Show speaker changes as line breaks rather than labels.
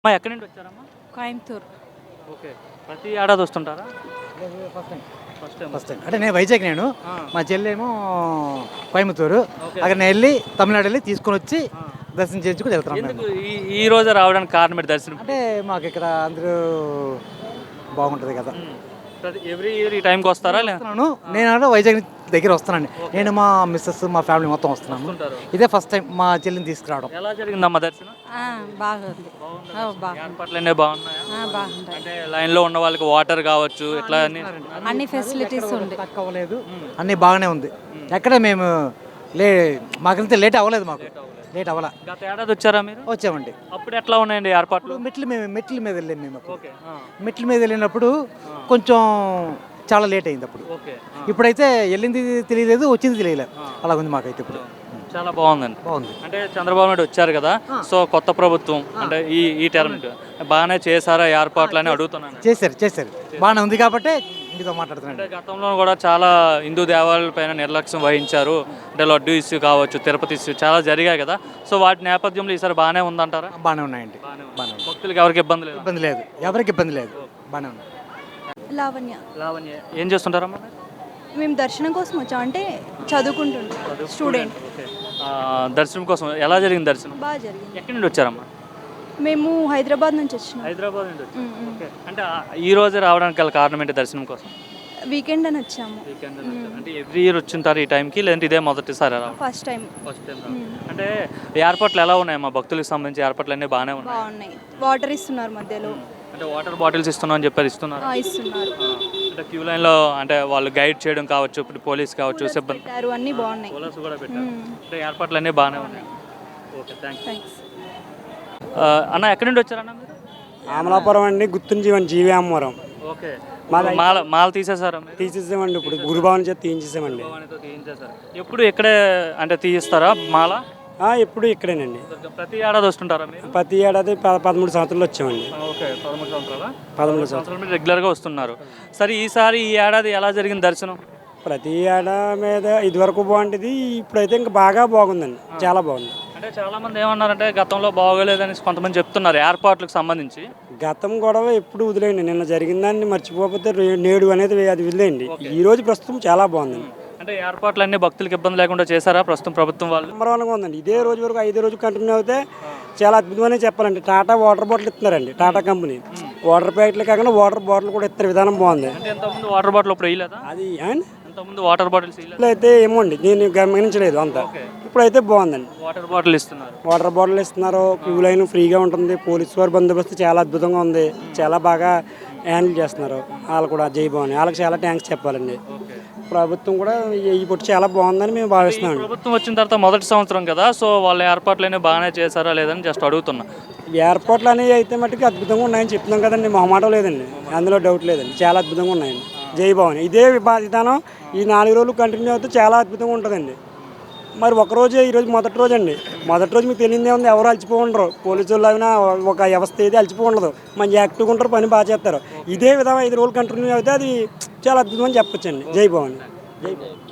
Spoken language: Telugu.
అమ్మా ఎక్కడి నుండి వచ్చారమ్మా?
కోయంబత్తూర్.
ఓకే. ప్రతి ఏడాది వస్తుంటారా?
First time
first time.
First time అంటే నేను వైజాగ్, నేను
ఆ.
మా చెల్లేమో కోయంబత్తూరు.
ఓకే.
అక్కడ నేను వెళ్ళి తమిళనాడు వెళ్ళి తీసుకొని వచ్చి
ఆ.
దర్శనం చేయించుకుని వెళ్తున్నాను
ఎందుకు
మేము.
ఈ రోజే రావడానికి కారణం ఏంటి దర్శనం?
అంటే మాకు ఇక్కడ అందరూ బాగుంటుంది కదా.
ప్రతి ఎవ్రీ ఇయర్ ఈ టైంకి వస్తారా?
వస్తున్నాను నేను అంటే వైజాగ్ దగ్గర వస్తున్నాను. నేను మా మిస్సెస్ మా ఫ్యామిలీ మొత్తం వస్తున్నాము.
వస్తుంటారు.
ఇదే ఫస్ట్ టైం మా చెల్లిని తీసుకురావడం.
ఎలా జరిగిందమ్మా దర్శనం?
బాగుంది. బాగుంది.
ఏర్పాట్లన్నీ బాగున్నాయా?
బాగుంటాయి.
అంటే లైన్లో ఉన్న వాళ్ళకి వాటర్ కావచ్చు ఇట్లా అన్ని
అన్ని ఫెసిలిటీస్ ఉంది.
తక్కువ అవ్వలేదు, అన్నీ బాగానే ఉంది. ఎక్కడ మేము మాకంతే లేట్ అవ్వలేదు, మాకు లేట్ అవ్వాల.
గత ఏడాది వచ్చారా మీరు?
వచ్చామండి.
అప్పుడు ఎట్లా ఉన్నాయండి ఏర్పాట్లు?
మెట్ల మీద వెళ్ళాము మేము అప్పుడు.
ఓకే.
మెట్ల మీద వెళ్ళినప్పుడు కొంచెం చాలా లేట్ అయింది అప్పుడు.
ఓకే.
ఇప్పుడైతే వెళ్ళింది తెలియలేదు, వచ్చింది తెలియలేదు. అలా ఉంది మాకైతే ఇప్పుడు.
చాలా బాగుందండి.
బాగుంది.
అంటే చంద్రబాబు నాయుడు వచ్చారు కదా, సో కొత్త ప్రభుత్వం అంటే ఈ టర్మ్ బాగానే చేశారా ఏర్పాట్లు అని అడుగుతున్నాను.
చేశారు బాగానే ఉంది కాబట్టి మీతో మాట్లాడుతున్నాను.
అంటే గతంలో కూడా చాలా హిందూ దేవాలయాల పైన నిర్లక్ష్యం వహించారు. అంటే లడ్డు ఇష్యూ కావచ్చు, తిరుపతి ఇష్యూ చాలా జరిగాయి కదా, సో వాటి నేపథ్యంలో ఈసారి బాగానే ఉందంటారా?
బాగానే ఉన్నాయండి. బాగానే ఉంది.
భక్తులకు ఎవరికి ఇబ్బంది లేదు?
ఇబ్బంది లేదు, ఎవరికి ఇబ్బంది లేదు, బాగానే ఉంది.
లావణ్య.
లావణ్య ఏం చేస్తుంటారమ్మా?
మేము దర్శనం కోసం వచ్చాం, అంటే చదువుకుంటున్నాం, స్టూడెంట్.
ఓకే. దర్శనం కోసం ఎలా జరిగింది దర్శనం?
బాగా జరిగింది.
ఎక్కడి నుండి వచ్చారమ్మా?
మేము హైదరాబాద్ నుంచి వచ్చినాం.
హైదరాబాద్ నుండి వచ్చారు. ఓకే. అంటే ఈ రోజే రావడానికి గల కారణం ఏంటి దర్శనం కోసం?
వీకెండ్ అని వచ్చాము.
వీకెండ్ అంటే ఎవ్రీ ఇయర్ వచ్చింటారు ఈ టైంకి, లేదంటే ఇదే మొదటిసారి రావడం?
First time.
First time. అంటే ఏర్పాట్లు ఎలా ఉన్నాయి మా భక్తులకు సంబంధించి? ఏర్పాట్లు అన్నీ బాగానే ఉన్నాయి.
బాగున్నాయి. వాటర్ ఇస్తున్నారు మధ్యలో.
అంటే వాటర్ బాటిల్స్ ఇస్తున్నాం అని చెప్పారు, ఇస్తున్నారు.
ఇస్తున్నారు.
అంటే క్యూ లైన్లో అంటే వాళ్ళు గైడ్ చేయడం కావచ్చు, ఇప్పుడు పోలీస్ కావచ్చు, సిబ్బంది
పెట్టారు, అన్నీ బాగున్నాయి.
పోలీసు కూడా పెట్టారు. అంటే ఏర్పాట్లు అన్నీ బాగానే ఉన్నాయి. Okay, thanks. అన్న ఎక్కడి నుండి వచ్చారన్న మీరు?
అమలాపురం అండి, గుర్తుంచేవండి, జీవి అమ్మవరం.
ఓకే.
మాది
మాల తీసేసారా మీరు?
తీసేసామండి, ఇప్పుడు గురుభవన్ చేత తీయించేసామండి.
భవానితో తీయించేశారు. ఎప్పుడు ఇక్కడే అంటే తీయిస్తారా మాల?
ఎప్పుడు ఇక్కడేనండి.
ప్రతి ఏడాది వస్తుంటారా మీరు?
ప్రతి ఏడాది 13 సంవత్సరాలు వచ్చామండి.
ఓకే. 13 సంవత్సరాలా?
13
సంవత్సరాలు మీరు రెగ్యులర్గా వస్తున్నారు. సరే ఈసారి ఈ ఏడాది ఎలా జరిగింది దర్శనం?
ప్రతి ఏడాది మీద ఇదివరకు బాగుంటుంది, ఇప్పుడైతే ఇంకా బాగా బాగుందండి, చాలా బాగుంది.
అంటే చాలా మంది ఏమన్నారంటే గతంలో బాగోలేదని కొంతమంది చెప్తున్నారు ఏర్పాట్లకు సంబంధించి.
గతం గొడవ ఎప్పుడు వదిలేయండి, నిన్న జరిగిందాన్ని మర్చిపోతే నేడు అనేది అది వదిలేయండి. ఈ రోజు ప్రస్తుతం చాలా బాగుందండి.
అంటే ఏర్పాట్లు అన్ని భక్తులకు ఇబ్బంది లేకుండా చేశారా ప్రస్తుతం ప్రభుత్వం వాళ్ళు?
నెంబర్ ఉందండి. ఇదే రోజు వరకు 5 రోజు కంటిన్యూ అవుతే చాలా అద్భుతమనే చెప్పాలండి. టాటా వాటర్ బాటిల్ ఇస్తున్నారండి, టాటా కంపెనీ. వాటర్ ప్యాకెట్లు కాకుండా వాటర్ బాటిల్ కూడా ఇస్తారు, విధానం బాగుంది.
అంటే ఎంతమంది వాటర్ బాటిల్ ఇప్పుడు వేయలేదా?
అది
ఎంతమంది వాటర్ బాటిల్స్
అయితే ఏమో అండి, నేను గమనించలేదు అంతా. ఇప్పుడైతే బాగుందండి,
వాటర్ బాటిల్ ఇస్తున్నారు.
వాటర్ బాటిల్ ఇస్తున్నారు, క్యూ లైన్ ఫ్రీగా ఉంటుంది, పోలీసు వారి బందోబస్తు చాలా అద్భుతంగా ఉంది, చాలా బాగా హ్యాండిల్ చేస్తున్నారు. వాళ్ళు కూడా జై భవాని, వాళ్ళకి చాలా థ్యాంక్స్ చెప్పాలండి. ప్రభుత్వం కూడా ఇప్పుడు చాలా బాగుందని మేము భావిస్తున్నాం.
ప్రభుత్వం వచ్చిన తర్వాత మొదటి సంవత్సరం కదా, సో వాళ్ళ ఏర్పాట్లనే బాగానే చేశారా లేదని జస్ట్ అడుగుతున్నా.
ఏర్పాట్లు అనేవి అయితే మట్టుకు అద్భుతంగా ఉన్నాయని చెప్తున్నాం కదండి, మొహమాటం లేదండి, అందులో డౌట్ లేదండి, చాలా అద్భుతంగా ఉన్నాయండి. జై భవాని. ఇదే విధానం ఈ 4 రోజులు కంటిన్యూ అవుతే చాలా అద్భుతంగా ఉంటుందండి. మరి ఒకరోజే ఈరోజు మొదటి రోజు అండి, మొదటి రోజు మీకు తెలియదే ఉంది, ఎవరు అలసిపోండరు, పోలీసు వాళ్ళు అయినా ఒక వ్యవస్థ ఏది అలసిపోండదు, మంచి యాక్టివ్గా ఉంటారు, పని బాగా చేస్తారు. ఇదే విధంగా 5 రోజులు కంటిన్యూ అయితే అది చాలా అద్భుతం అని చెప్పొచ్చండి. జై భవాని. జై భవాని.